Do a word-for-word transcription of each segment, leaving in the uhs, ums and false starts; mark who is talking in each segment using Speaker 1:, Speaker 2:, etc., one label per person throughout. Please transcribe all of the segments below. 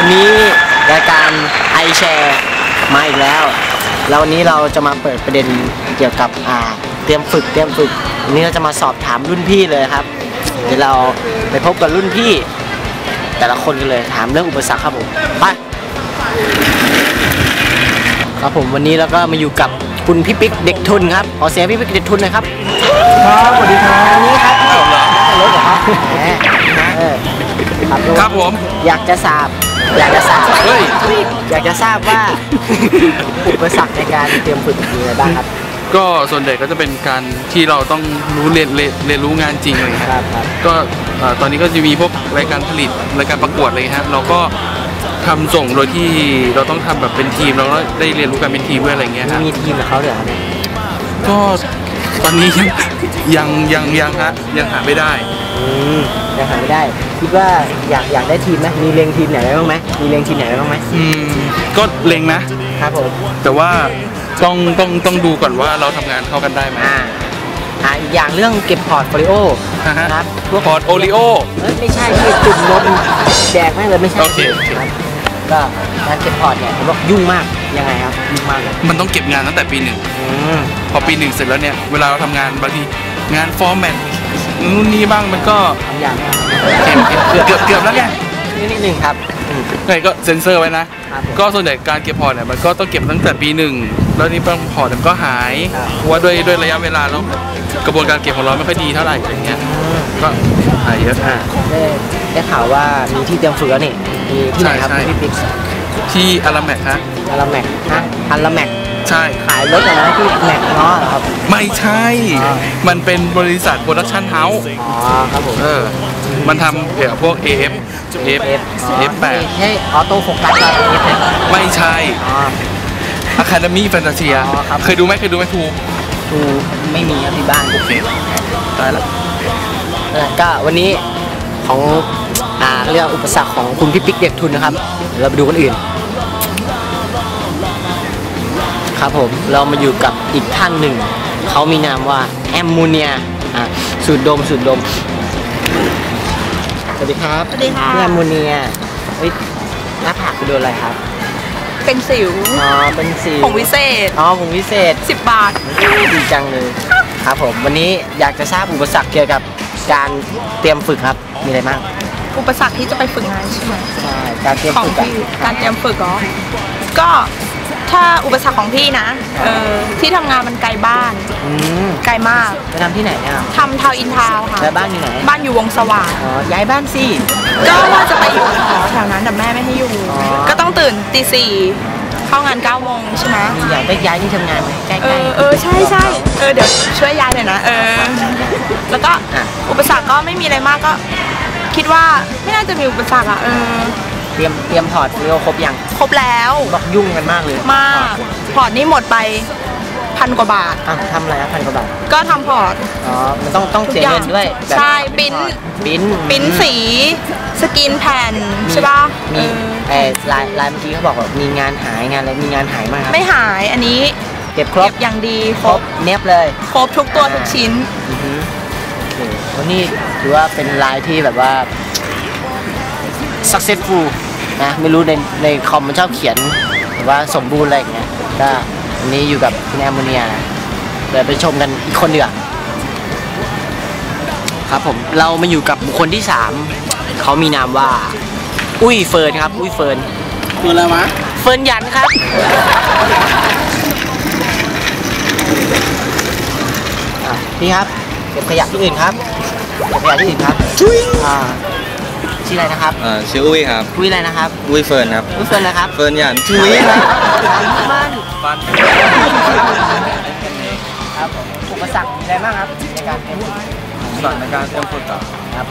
Speaker 1: วันนี้รายการไอแชร์มาอีกแล้วแล้ววันนี้เราจะมาเปิดประเด็นเกี่ยวกับอ่าเตรียมฝึกเตรียมฝึกวันนี้เราจะมาสอบถามรุ่นพี่เลยครับเดี๋ยวเราไปพบกับรุ่นพี่แต่ละคนกันเลยถามเรื่องอุปสรรคครับผมไปครับผมวันนี้เราก็มาอยู่กับคุณพี่ปิ๊กเด็กทุนครับขอเสียงพี่ปิ๊กเด็กทุนหน่อยครับครับสวัสดีครับวันนี้ครับรถเหรอครับแหมเออ
Speaker 2: ครับผม
Speaker 1: อยากจะทราบอยากจะทราบเฮ้ยอยากจะทราบว่าอุปสรรคในการเตรียมฝึกมีอะไรบ้างครับ
Speaker 2: ก็ส่วนใหญ่ก็จะเป็นการที่เราต้องรู้เรียนเรียนเรียนรู้งานจริงอะไรครับก็ตอนนี้ก็จะมีพวกรายการผลิตรายการประกวดอะไรครับเราก็ทำส่งโดยที่เราต้องทำแบบเป็นทีมเราก็ได้เรียนรู้การเป็นทีมด้วยอะไรเงี้ยครับ
Speaker 1: มีทีมกับเขาเหรอเนี่ย
Speaker 2: ก็ตอนนี้ยังยังยังฮะยังหาไม่ได้
Speaker 1: อืมยังหาไม่ได้คิดว่าอยากอยากได้ทีมไหมมีเล็งทีมไหนไว้บ้างไหมมีเล็งทีมไหนไว้บ้างไหม
Speaker 2: อืมก็เล็งนะครับ
Speaker 1: ผม
Speaker 2: แต่ว่าต้องต้องต้องดูก่อนว่าเราทำงานเข้ากันได้ไหม
Speaker 1: อ่าอ่าอีกอย่างเรื่องเก็บพอร์ตโฟลิโอ
Speaker 2: นะครับพวกพอร์ตโอริโอ
Speaker 1: เอ้ยไม่ใช่ที่จุ่มนมแดกไม่เลยไม่ใช่
Speaker 2: โอเค
Speaker 1: ก็การเก็บพอร์ตเนี่ยผมบอกยุ่งมากยังไงครับยุ่งมากเลย
Speaker 2: มันต้องเก็บงานตั้งแต่ปีหนึ่งพอปีหนึ่งเสร็จแล้วเนี่ยเวลาเราทำงานบางทีงานฟอร์แมตนู่นนี่บ้างมันก็
Speaker 1: อย่าง
Speaker 2: เกือบเกือบเกือบแล้วไง
Speaker 1: นิดหนึ่งครับ
Speaker 2: ไงก็เซ็นเซอร์ไว้นะก็ส่วนใหญ่การเก็บพอร์ตเนี่ยมันก็ต้องเก็บตั้งแต่ปีหนึ่งแล้วนี่บางพอร์ตมันก็หายเพราะว่าด้วยด้วยระยะเวลาแล้วกระบวนการเก็บของเราไม่ค่อยดีเท่าไหร่อะไรเงี้ยก็หายเยอะ
Speaker 1: ได้ได้ข่าวว่ามีที่เตรียมฝึกแล้วนี่มีที่ไหนครับพี่ปิ๊ก
Speaker 2: ที่อาราแมกฮะ
Speaker 1: อาราแมกฮะอาราแมก
Speaker 2: ใช่
Speaker 1: ขายรถอะไรที่แม็กเนาะครับ
Speaker 2: ไม่ใช่มันเป็นบริษัทโปรดักชั่นเฮาส์
Speaker 1: อ๋อครับผม
Speaker 2: เออมันทำเกี่ยวกับพวก เอ เอฟ เอ เอฟ เอฟ แปด
Speaker 1: ใช่ออโต้โฟกัสกับ เอ เอฟ
Speaker 2: ไม่ใช่อะคาเดมี่แฟนตาเซียเคยดูไหมเคยดูไหมทู
Speaker 1: ทูไม่มีครับที่บ้าน
Speaker 2: โอเคตายแล้ว
Speaker 1: ก็วันนี้ของอ่าเรื่องอุปสรรคของคุณพี่ปิ๊กเด็กทุนนะครับเราไปดูคนอื่นครับผมเรามาอยู่กับอีกท่านหนึ่งเขามีนามว่าแอมโมเนียอ่ะสูดดมสูดดมสวัสดีครับ
Speaker 3: สวัสดีค่ะ
Speaker 1: แอมโมเนียเฮ้ยหน้าผากไปโดนอะไรครับ
Speaker 3: เป็นสิว
Speaker 1: อ๋อเป็นสิว
Speaker 3: ผงวิเศษ
Speaker 1: อ๋อผงวิเศษ
Speaker 3: สิบบาท
Speaker 1: ดีจังเลยครับผมวันนี้อยากจะทราบอุปสรรคเกี่ยวกับการเตรียมฝึกครับมีอะไรบ้าง
Speaker 3: อุปสรรคที่จะไปฝึกงานใช่ไหม
Speaker 1: ใช่การเตรียมฝึก
Speaker 3: การเตรียมฝึกเหรอก็ถ้าอุปสรรคของพี่นะเออที่ทำงานมันไกลบ้านไกลมาก
Speaker 1: ไปทำที่ไหนเนี่ย
Speaker 3: ทำทาวอินทาวค่ะ
Speaker 1: แล้วบ้านอยู่ไหน
Speaker 3: บ้านอยู่วงสว่าง
Speaker 1: อ๋อย้ายบ้านสิ
Speaker 3: ก็ว่าจะไปอยู่หอแถวนั้นแต่แม่ไม่ให้อยู่ก็ต้องตื่นตีสี่เข้างานเก้าโมงใช่ไหม
Speaker 1: อยากได้ย้ายที่ทำงานไหมใกล้ๆ
Speaker 3: เออเออใช่ใช่เออเดี๋ยวช่วยย้ายหน่อยนะเออแล้วก็อุปสรรคก็ไม่มีอะไรมากก็คิดว่าไม่น่าจะมีอุปสรรคอ่ะเออ
Speaker 1: เตรียมเตรียมพอร์ตเรียวครบยัง
Speaker 3: ครบแล้ว
Speaker 1: บอกยุ่งกันมากเลย
Speaker 3: มากพอร์ตนี่หมดไปพันกว่าบาท
Speaker 1: อ่ะทำอะไรอ่ะพันกว่าบาท
Speaker 3: ก็ทำพอร์ต
Speaker 1: อ๋อมันต้องต้องเสียเงินด้วย
Speaker 3: ใช่ปิ้น
Speaker 1: ปิ้น
Speaker 3: ปิ้นสีสกรีนแผ่นใช่ป่ะ
Speaker 1: มีเออลายลายเมื่อกี้เขาบอกว่ามีงานหายงานอะไรมีงานหายมาก
Speaker 3: ไม่หายอันนี้
Speaker 1: เก็บครบ
Speaker 3: อย่างดี
Speaker 1: ครบเนียบเลย
Speaker 3: ครบทุกตัวทุกชิ้น
Speaker 1: วันนี้ถือว่าเป็นลายที่แบบว่า successful นะไม่รู้ในในคอมมันชอบเขียนหรือว่าสมบูรณ์อะไรอย่างเงี้ยก็วันนี้อยู่กับคุณแอมโมเนียเดี๋ยวไปชมกันอีกคนเดียวครับผมเรามาอยู่กับบุคคลที่สามเขามีนามว่าอุ้ยเฟิร์นครับอุ้ยเฟิร์น
Speaker 2: เฟิร์นอะไรวะ
Speaker 1: เฟิร์นยันครับพี่ครับเก็บขยะที่อื่นครับเก็บขยะที่อื่นครับอ่าชื่ออะไรนะครับ
Speaker 4: อ่าชื่ออุ้ยครับ
Speaker 1: อุ้ยอะไรนะครับ
Speaker 4: อุ้ยเฟิร์นครับ
Speaker 1: อุ้ยเฟิร์นนะครับ
Speaker 4: เฟิร์นหยัน
Speaker 1: ชื่ออุ้ยครับบ้านบ้านครับอุปสรรคอะไรบ้างครับในการเตรียมฝึก
Speaker 4: อุปสรรคในการเตรียมฝึก
Speaker 1: ครับ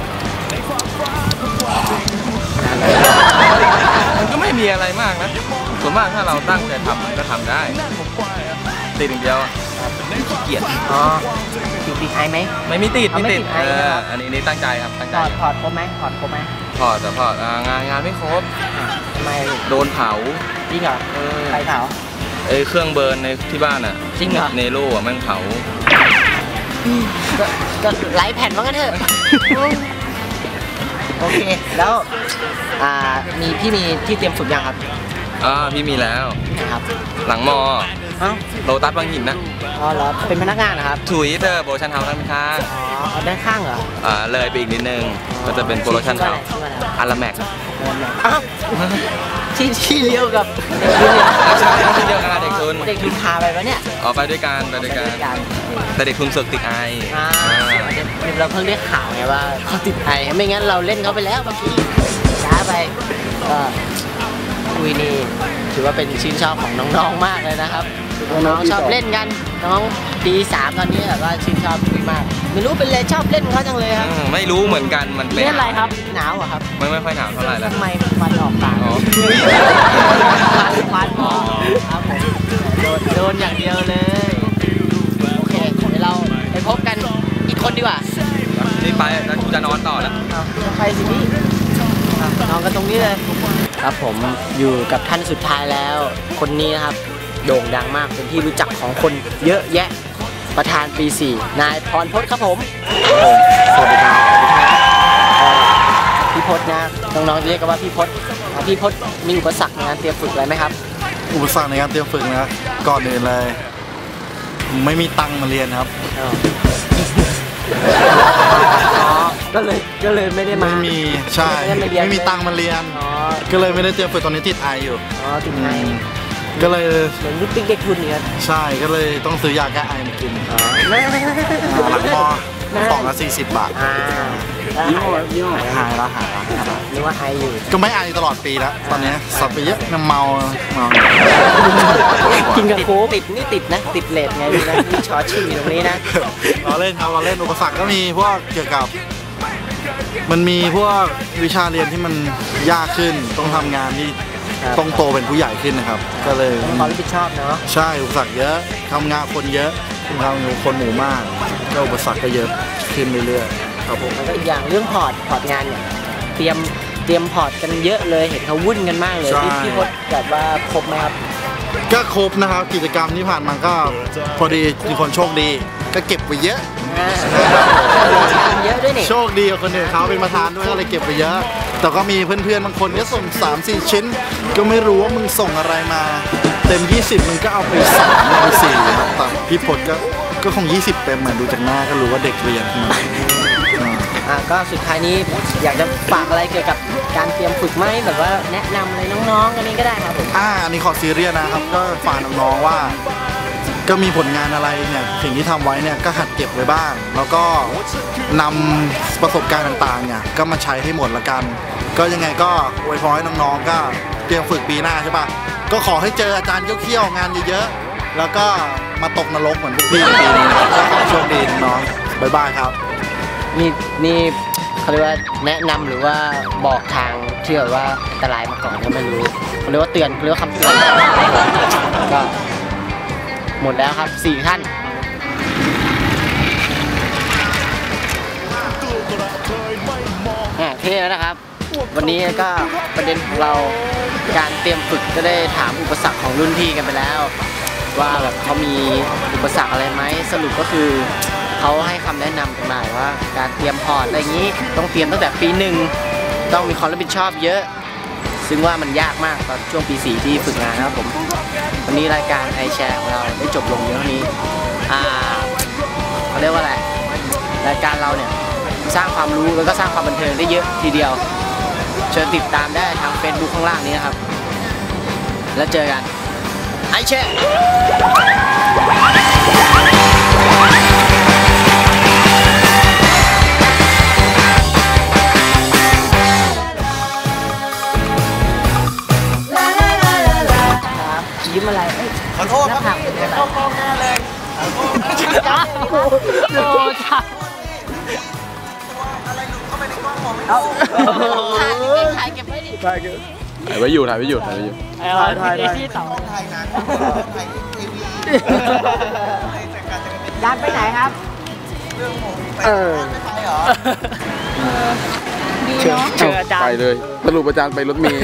Speaker 4: มันก็ไม่มีอะไรมากนะส่วนมากถ้าเราตั้งใจทำมันก็ทำได้ติดอย่างเดียวขี้เกียจ
Speaker 1: อ๋อติดติดไอไหม
Speaker 4: ไม่มีติดไม่ติดเอออันนี้นี่ตั้งใจครับตั้งใจ
Speaker 1: ถอดถอดครบไหมถอดครบไหม
Speaker 4: ถอดแต่ถอดงานงานไม่ครบ
Speaker 1: ทำไม
Speaker 4: โดนเผา
Speaker 1: จริงเหรอใครเผา
Speaker 4: เอ้เครื่องเบิร์นในที่บ้านอ่ะ
Speaker 1: จริงเหรอ
Speaker 4: เนโร่อ่ะมันเผา
Speaker 1: ก็ไล่แผ่นว่างั้นเถอะโอเคแล้วอ่ามีพี่มีที่เตรียมฝึกยังครับ
Speaker 4: อ่าพี่มีแล้ว
Speaker 1: ครับ
Speaker 4: หลังมอ
Speaker 1: เอ้า
Speaker 4: โลตัสบางหินนะ
Speaker 1: อ๋อเหรอเป็นพนักงานนะครับ
Speaker 4: ถุยเตอร์โปรโมชั่นเฮาส์ด้านข้าง
Speaker 1: อ๋อเอาด้านข้างเหรอ
Speaker 4: อ่าเลยไปอีกนิดนึงก็จะเป็นโปรโมชั่นเฮาส์อาราแม็ก
Speaker 1: อ้าวที่ที่เลี้ยวกับ
Speaker 4: ใช่ที่เดียวกันเด็กทุน
Speaker 1: เด็กทุนพาไปปะเนี่ย
Speaker 4: ออกไปด้วยกันไปด้วยกันแต่เด็กทุนเสือกติดไอ
Speaker 1: อ่าเราเพิ่งได้ข่าวไงว่าเขาติดไอไม่งั้นเราเล่นเขาไปแล้วเมื่อกี้ช้าไปก็คุยนี่ถือว่าเป็นชื่นชอบของน้องๆมากเลยนะครับน้องๆชอบเล่นกันน้องปีสามตอนนี้แบบว่าชื่นชอบคุยมากไม่รู้เป็นเลยชอบเล่นเขาจังเลยครับ
Speaker 4: อืมไม่รู้เหมือนกันมันเป็น
Speaker 1: เล่นอะไรครับหนาวเหรอครับ
Speaker 4: ไม่ไม่ค่อยหนาวเท่าไหร่แล้ว
Speaker 1: ทำไมควันออกปาก
Speaker 4: อ๋อ
Speaker 1: ควันควันหมอครับผมโดนโดนอย่างเดียวเลยโอเคเดี๋ยวเราไปพบกันอีกคนดีกว่า
Speaker 4: นี่ไปแล้วกูจะนอนต่อแล้ว
Speaker 1: เอาไปสิพี่อ่ะนอนกันตรงนี้เลยครับผมอยู่กับท่านสุดท้ายแล้ว คนนี้นะครับโด่งดังมากเป็นที่รู้จักของคนเยอะแยะประธานปีสี่นายพรพจน์ครับผมสวัสดีครับเอ่อพี่พจน์นะน้องๆเรียกกันว่าพี่พจน์อ่ะพี่พจน์มีอุปสรรคในการเตรียมฝึกอะไรไหมครับ
Speaker 5: อุปสรรคในการเตรียมฝึกนะก่อนอื่นเลย ไม่มีตังค์มาเรียนครับ
Speaker 1: อ๋อก็เลยก็เลยไม่ได้มา
Speaker 5: ไม่มีใช่
Speaker 1: ไม่ได้าเรียน
Speaker 5: ไม่มีตังค์มาเรียน
Speaker 1: อ๋อ
Speaker 5: ก็เลยไม่ได้เตรียมฝึกตอนนี้ติดไออยู่
Speaker 1: อ๋อติดไง
Speaker 5: ก็เลย
Speaker 1: เหมือนลูกปิ๊กเด็กทุนเนี่ย
Speaker 5: ใช่ก็เลยต้องซื้อยาแก้ไอมากิน
Speaker 1: อ๋อ
Speaker 5: หลังมอสองละสี่สิบบาท
Speaker 1: อ่ายี่ห้อยี่ห้อหายแล้วหายแล้วนึกว่าไออยู่
Speaker 5: ก็ไม่ไอตลอดปีแล้วตอนนี้สับไปเยอะน้ำเมาเมา
Speaker 1: กินกับโค้กติดนี่ติดนะ ติดเลทไงดูนะนี่ชอชื่ออยู่ตรงนี้นะ
Speaker 5: เราเล่นครับเราเล่นอุปสรรคก็มีพวกเกี่ยวกับ มันมีพวกวิชาเรียนที่มันยากขึ้นต้องทำงานที่
Speaker 1: ครับ
Speaker 5: ต้องโตเป็นผู้ใหญ่ขึ้นนะครับ ก็เลย
Speaker 1: ต้องความรับผิดชอบเนาะ
Speaker 5: ใช่อุปสรรคเยอะทำงานคนเยอะทำงานคนหมู่มากก็อุปสรรคก็เยอะขึ้นเรื่อยๆครับผม
Speaker 1: แล้วก็อีกอย่างเรื่องพอร์ตพอร์ตงานเนี่ยเตรียมเตรียมพอร์ตกันเยอะเลยเห็นเขาวุ่นกันมากเลยพี่พี่พจน์แบบว่าครบไหมครับ
Speaker 5: ก็ครบนะครับกิจกรรมที่ผ่านมาก็พอดีมีคนโชคดี ก็เก็บไว้เยอะ
Speaker 1: อ่าเยอะด้วยนี่
Speaker 5: โชคดีกับคนอื่นเขาเป็นประธานด้วยก็เลยเก็บไปเยอะ แต่ก็มีเพื่อนๆบางคนก็ส่ง สามสี่ ชิ้น ก็ไม่รู้ว่ามึงส่งอะไรมา เต็ม ยี่สิบมึงก็เอาไปสามเอาไปสี่ครับแต่พี่พจน์ก็ก็คง ยี่สิบ เต็มเหมือนดูจากหน้าก็รู้ว่าเด็กเรียนมาอ่า
Speaker 1: อ่าก็สุดท้ายนี้อยากจะฝากอะไรเกี่ยวกับการเตรียมฝึกไหมแบบว่าแนะนำอะไรน้องๆกันนี้ก็ได้ครับผม
Speaker 5: อ่าอันนี้ขอซีเรียสนะครับ ก็ฝากน้องๆว่า ก็มีผลงานอะไรเนี่ยสิ่งที่ทำไว้เนี่ยก็หัดเก็บไว้บ้าง แล้วก็นำประสบการณ์ต่างๆเนี่ยก็มาใช้ให้หมดละกัน ก็ยังไงก็อวยพรให้น้องๆก็เตรียมฝึกปีหน้าใช่ปะก็ขอให้เจออาจารย์เขี้ยวๆงานเยอะๆแล้วก็มาตกนรกเหมือนพวกพี่ปีนี้นะครับก็ขอโชคดีน้องๆบ๊ายบายครับ
Speaker 1: นี่นี่เขาเรียกว่าแนะนำหรือว่าบอกทางที่แบบว่าอันตรายมาก่อนก็ไม่รู้เขาเรียกว่าเตือนเขาเรียกว่าคำเตือนก็หมดแล้วครับสี่ท่านอ่ะเท่แล้วนะครับ วันนี้ก็ประเด็นของเราการเตรียมฝึกก็ได้ถามอุปสรรคของรุ่นพี่กันไปแล้ว ว่าแบบเขามีอุปสรรคอะไรไหมสรุปก็คือเขาให้คำแนะนำกันมาว่าการเตรียมพอร์ตอะไรอย่างนี้ต้องเตรียมตั้งแต่ปีหนึ่งต้องมีความรับผิดชอบเยอะ ซึ่งว่ามันยากมากตอนช่วงปีสี่ที่ฝึกงานนะครับผมวันนี้รายการไอแชร์ของเราได้จบลงเยอะนี้อ่าเขาเรียกว่าอะไรรายการเราเนี่ยสร้างความรู้แล้วก็สร้างความบันเทิงได้เยอะทีเดียวเชิญติดตามได้ทาง Facebook ข้างล่างนี้นะครับแล้วเจอกันไอแชร์ยิ้มอะไรขอโทษครับพี่เข้ากล้องหน้าเลยจ้าโอ้จ้าถ่ายถ่ายเก็บไว้ดิถ่ายเก็บ
Speaker 2: ถ่ายไว้อยู่ถ่ายไว้อยู่ถ่ายไว้อยู่
Speaker 1: ถ่ายถ่ายที่ต่อยานไปไหนครับเออดีเนาะเจออาจารย์
Speaker 2: ไปเลยสรุปอาจารย์ไปรถเมล์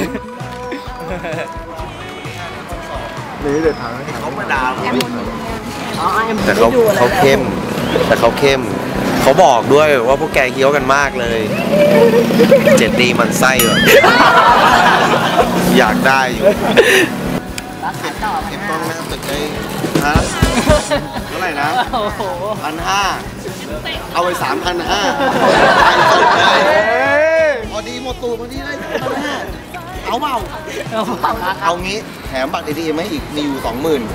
Speaker 5: นี่เดี๋ยวถามเขามาด่า
Speaker 1: อ๋อ
Speaker 6: แต่เขาเขาเข้มแต่เขาเข้มเขาบอกด้วยว่าพวกแกเคี้ยวกันมากเลย เจ็ดดีมันไส้แบบอยากได้อยู่เก็บกล้องหน้าตึกได้ฮะเท่าไหร่นะพันห้าเอาไปสามพันห้าไปสุดเลยพอดีหมดตัวพอดีเลยพันห้าเอาเปล่าเอางี้แถมบัตร เอ ที เอ็ม ให้อีกมีอยู่สองหมื่น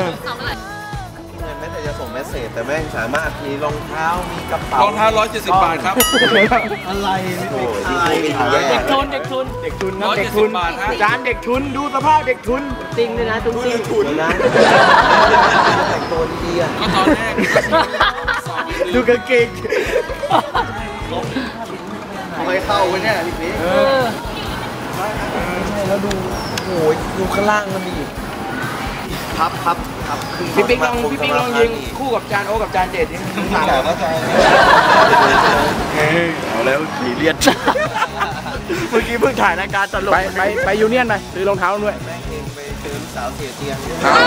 Speaker 6: แม้แต่จะส่งเมสเซจแต่แม่งสามารถมีรองเท้ามีกระเป๋าร
Speaker 2: องเท้าร้อยเจ็ดสิบบาทครับ
Speaker 1: อะไร
Speaker 6: โอ้ยดีแย่
Speaker 1: เด็กทุนเด็กทุนเด็กทุนนะเด็กทุน
Speaker 2: บาทฮะ
Speaker 1: จานเด็กทุนดูสภาพเด็กทุนจริงเลยนะตุ้งติ้งทุนนะแต่งตัวดีอ่ะ
Speaker 2: ก็ตอนแรก
Speaker 1: ดูกางเกง
Speaker 6: ไม่เข้าไว้เนี่ยพี่พีแล้วดูโอ้ยดูข้างล่างมันดีพับพับพับ
Speaker 1: พี่ปิ๊กลองพี่ปิ๊กลองยิงคู่กับจานโอกับจานเจ็ดนี่
Speaker 6: แต่เข้าใจ
Speaker 4: เอาแล้วสีเลียด
Speaker 1: เมื่อกี้เพิ่งถ่ายรายการตลก
Speaker 4: ไปไปไปยูเนียนไปซื้อรองเท้าด้วย
Speaker 6: แม่งเองไปเจอลูกสาวเสียเตียง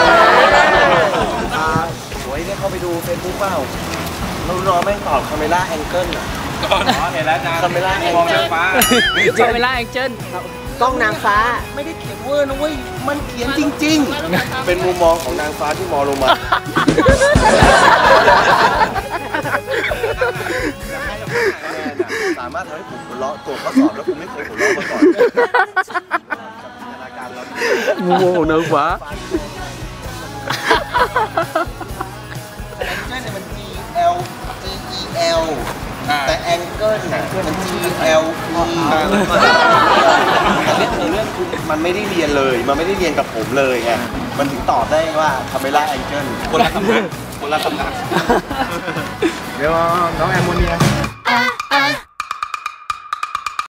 Speaker 6: โอ้ยได้เข้าไปดูเฟซบุ๊กเปล่าเรารอแม่งตอบคาเมล่าแองเกิลอ่ะ
Speaker 2: ก่อนเห็นแล้วนะ
Speaker 6: คาเมล่าแอง
Speaker 2: มอง
Speaker 6: เกิ
Speaker 2: เจ้า
Speaker 6: ล
Speaker 2: ฟ้า
Speaker 1: คาเมล่าแองเจิลกล้องนางฟ้า
Speaker 6: ไม่ได้เขียนเวอร์นะเว้ยมันเขียนจริงๆเป็นมุมมองของนางฟ้าที่มองลงมาสามารถทำให้ผมหัวเราะตัวข้อสอบแล้วผมไม่เคยหัวเราะมาก่อนจินตนาการเรา
Speaker 4: มุมมองของนางฟ้า
Speaker 6: แองเกิลเนี่ยมัน G L G E L แต่แองเกิลน่ะมัน G L E แต่เรื่องคือเรื่องคือมันไม่ได้เรียนเลย มันไม่ได้เรียนกับผมเลยไงมันถึงตอบได้ว่าคาเมล่าแองเกิลคนละคำนักคนละคำนัก
Speaker 4: เดี๋ยวน้องแอมโมเนีย